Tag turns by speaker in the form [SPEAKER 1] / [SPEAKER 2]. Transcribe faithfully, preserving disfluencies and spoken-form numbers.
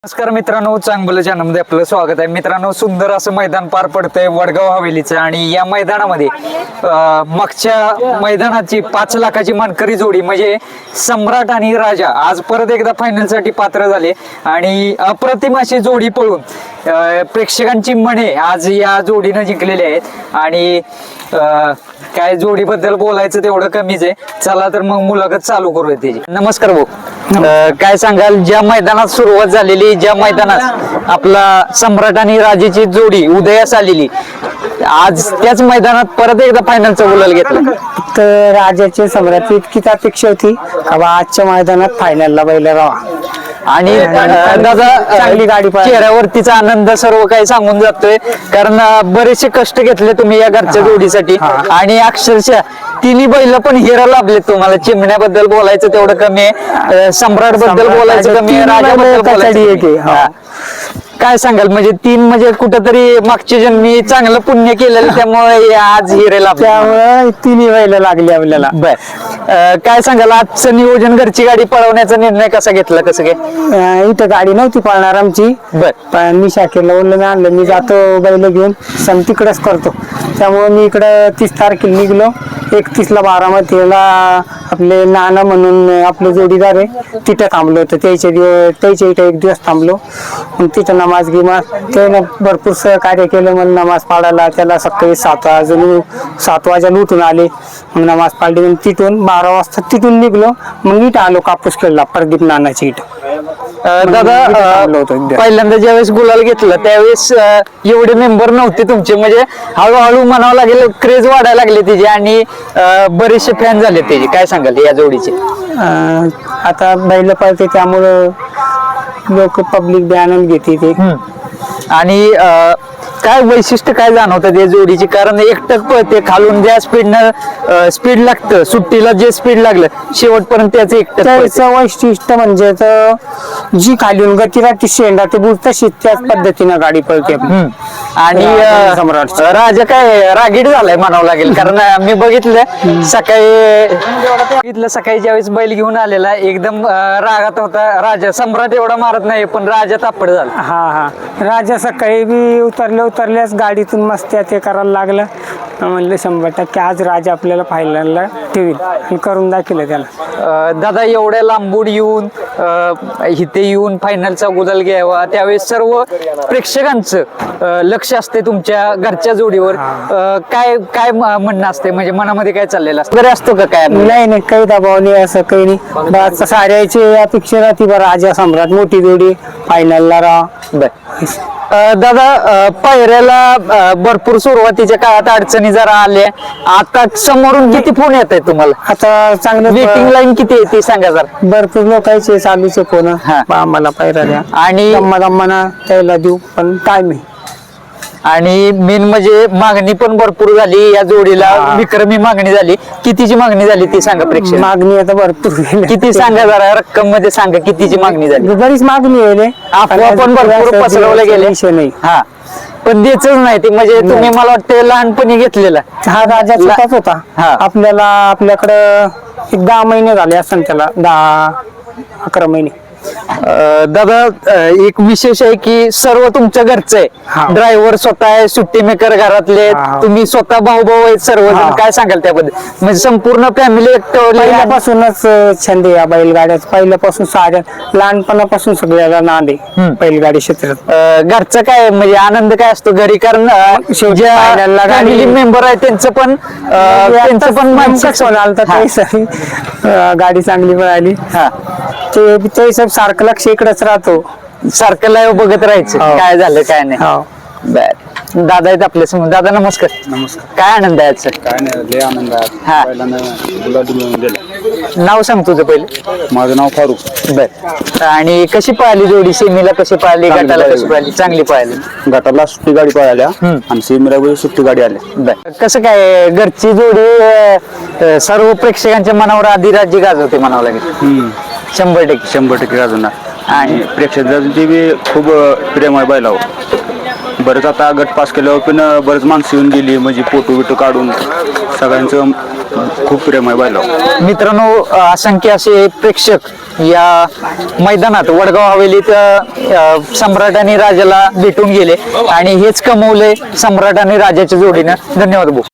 [SPEAKER 1] नमस्कार मित्रांनो, चांगलं चॅनलमध्ये आपलं स्वागत आहे. मित्रांनो, सुंदर असं मैदान पार पडतंय वडगाव हवेलीचं आणि या मैदानामध्ये मागच्या मैदानाची पाच लाखाची मानकरी जोडी म्हणजे सम्राट आणि राजा आज परत एकदा फायनलसाठी पात्र झाले आणि अप्रतिम अशी जोडी पळून प्रेक्षकांची मने आज या जोडीनं जिंकलेली आहेत आणि काय जोडीबद्दल बोलायचं तेवढं कमीच आहे. चला तर मग मुलाखत चालू करूया त्याची. नमस्कार भाऊ, काय सांगाल ज्या मैदानात सुरुवात झालेली, ज्या मैदानात आपला सम्राट आणि राजाची जोडी उदयास आलेली, आज त्याच मैदानात परत एकदा फायनलचा गुलाल घेतला?
[SPEAKER 2] तर राजाचे सम्राट इतकीच अपेक्षा होती का आजच्या मैदानात फायनलला बैल राहा
[SPEAKER 1] आणि दादा
[SPEAKER 2] चांगली गाडी
[SPEAKER 1] चेहऱ्यावरतीचा आनंद सर्व काही सांगून जातोय, कारण बरेचसे कष्ट घेतले तुम्ही या घरच्या जोडीसाठी आणि अक्षरशः तिन्ही बैल पण हिरा लाभले तुम्हाला. चिमण्याबद्दल बोलायचं तेवढं कमी आहे, सम्राट बद्दल बोलायचं कमी आहे, राजाबद्दल बोलायचं. काय सांगाल, म्हणजे तीन म्हणजे कुठंतरी मागच्या जन्मी चांगलं पुण्य केलेलं त्यामुळे आज हिरे लाभले,
[SPEAKER 2] त्यामुळे तिन्ही बैल लागली आपल्याला.
[SPEAKER 1] बर, काय सांगाल आजचं नियोजन घरची गाडी पळवण्याचा निर्णय कसा घेतला, कसं काय?
[SPEAKER 2] इथं गाडी नव्हती पळणार आमची,
[SPEAKER 1] बर,
[SPEAKER 2] पण मी शाखेला बोललो मी आणलं, मी जातो बैल घेऊन सण तिकडच करतो. त्यामुळे मी इकडं तीस तारखेला निघलो. एकतीस ला बारामतीला आपले नाना म्हणून आपले जोडीदार आहे तिथं थांबलो होतं. त्याच्या दिवस त्याच्या इथं एक दिवस थांबलो. मग तिथं नमाज गिमाज त्यानं भरपूर सहकार्य केलं मला नमाज पाडायला. त्याला सकाळी सात वाजून सात वाजायला उठून आले, मग नमाज पाडली. मग तिथून बारा वाजता तिथून निघलो. मग इथं आलो कापूस खेळला प्रदीप नानाची इथं.
[SPEAKER 1] दादा पहिल्यांदा ज्यावेळेस गुलाल घेतला त्यावेळेस एवढे मेंबर नव्हते तुमचे, म्हणजे हळूहळू म्हणावं लागेल क्रेज वाढायला लागले त्याचे आणि बरेचसे फॅन झाले त्याचे. काय सांगाल या जोडीचे?
[SPEAKER 2] आता बैल पळते त्यामुळं लोक पब्लिक बी आनंद घेते ते.
[SPEAKER 1] आणि काय वैशिष्ट्य काय जाणवतं या जोडीची? कारण एकटक पळते, खालून ज्या स्पीडनं स्पीड लागतं, सुट्टीला जे स्पीड लागलं शेवटपर्यंत त्याचं एकटक.
[SPEAKER 2] त्याचं वैशिष्ट्य म्हणजे जी खालून गती राहते शेंडा ते बुड तशी त्याच पद्धतीनं गाडी पळते.
[SPEAKER 1] आणि राजा काय रागीट झालाय म्हणावं लागेल, कारण मी बघितलं सकाळी बघितलं सकाळी ज्यावेळेस बैल घेऊन आलेला एकदम रागात होता. राजा सम्राट एवढा मारत नाही पण राजा तापड झाला.
[SPEAKER 2] हा हा राजा सकाळी बी उतरले उतरल्यास गाडीतून मस्त ते करायला लागलं. म्हणलं शंभर टक्के आज राजा आपल्याला फायनलला ठेवील आणि करून दाखवलं त्याला.
[SPEAKER 1] दादा एवढ्या लांबून येऊन इथे येऊन फायनलचा गुलाल घ्यावा, त्यावेळेस सर्व प्रेक्षकांचं लक्ष असते तुमच्या घरच्या जोडीवर. काय काय म्हणणं असते, म्हणजे मनामध्ये काय चाललेलं असतं असतो का? काय
[SPEAKER 2] नाही नाही काही दबाव नाही, असं काही नाही. साऱ्याची अपेक्षा राहते बरं राजा सम्राट मोठी जोडी फायनलला राहा.
[SPEAKER 1] बर दादा, पायऱ्याला भरपूर सुरुवातीच्या काळात अडचणी जरा आल्या, आता समोरून किती फोन येत आहेत तुम्हाला?
[SPEAKER 2] आता चांगलं
[SPEAKER 1] वेटिंग लाईन किती आहे ते सांगा जरा.
[SPEAKER 2] भरपूर लोकांचे चालूचे फोन आम्हाला पायऱ्या द्या आणि गम्मा त्याला देऊ, पण काय नाही.
[SPEAKER 1] आणि मेन म्हणजे मागणी पण भरपूर झाली या जोडीला, विक्रमी मागणी झाली. कितीची मागणी झाली ती सांगा प्रेक्षक.
[SPEAKER 2] मागणी आता भरपूर
[SPEAKER 1] किती सांगा जरा, रक्कम मध्ये सांगा कितीची मागणी झाली.
[SPEAKER 2] बरीच मागणी आहे,
[SPEAKER 1] अफवा पण भरपूर पसरवले गेले. हा, पण द्यायच नाही ते, म्हणजे तुम्ही मला वाटतं लहानपणी घेतलेला
[SPEAKER 2] हा राजा छोटाच होता. आपल्याला आपल्याकडं एक दहा महिने झाले असं, त्याला दहा अकरा महिने.
[SPEAKER 1] दादा एक विशेष आहे की सर्व तुमच्या घरचं आहे, ड्रायव्हर स्वतः आहे, सुट्टी मेकर घरातले, तुम्ही स्वतः भाऊ भाऊ आहेत सर्वजण. काय सांगाल त्याबद्दल? म्हणजे संपूर्ण फॅमिली
[SPEAKER 2] पहिल्यापासूनच छंद या बैलगाड्याच, पहिल्यापासून साऱ्या लहानपणापासून सगळ्याला नाद आहे बैलगाडी क्षेत्रात.
[SPEAKER 1] घरचं काय म्हणजे आनंद काय असतो घरी, कारण फॅमिली मेंबर आहे त्यांचं पण त्यांचं पण मानसिक
[SPEAKER 2] गाडी चांगली पळाली. हा ते सब सारखं लक्ष इकडेच राहतो,
[SPEAKER 1] सारखं लाईव्ह बघत राहायचं काय झालं काय नाही. बर, दादा आहेत आपल्या समोर. दादा नमस्कार.
[SPEAKER 3] नमस्कार.
[SPEAKER 1] काय आनंद आहे आजचा?
[SPEAKER 3] काय नाही, लय आनंद आहे.
[SPEAKER 1] हा, नाव सांग तुझं पहिलं.
[SPEAKER 3] माझं नाव फारुख.
[SPEAKER 1] बर, आणि कशी पळाली जोडी? सेमीला कशी पळाली, गटाला कशी पळाली? चांगली पळाली.
[SPEAKER 3] गटाला सुट्टी गाडी पळाल्या आणि सेमीला सुट्टी गाडी आल्या.
[SPEAKER 1] बर, कसं काय घरची जोडी सर्व प्रेक्षकांच्या मनावर आधी राज्य गाजवते म्हणावं लागेल. शंभर टक्के
[SPEAKER 3] शंभर टक्के गाजवणार आणि प्रेक्षकांची बी खूप प्रेम आहे बैलावर. बरंच आता गट पास केल्यावर पण बरेच माणसं येऊन गेली म्हणजे फोटो बिटो काढून सगळ्यांचं खूप प्रेम आहे बैलावर.
[SPEAKER 1] मित्रांनो, असंख्य असे प्रेक्षक या मैदानात वडगाव हवेलीत अ, सम्राट आणि राजाला भेटून गेले आणि हेच कमवले सम्राट आणि राजाच्या जोडीनं. धन्यवाद भाऊ.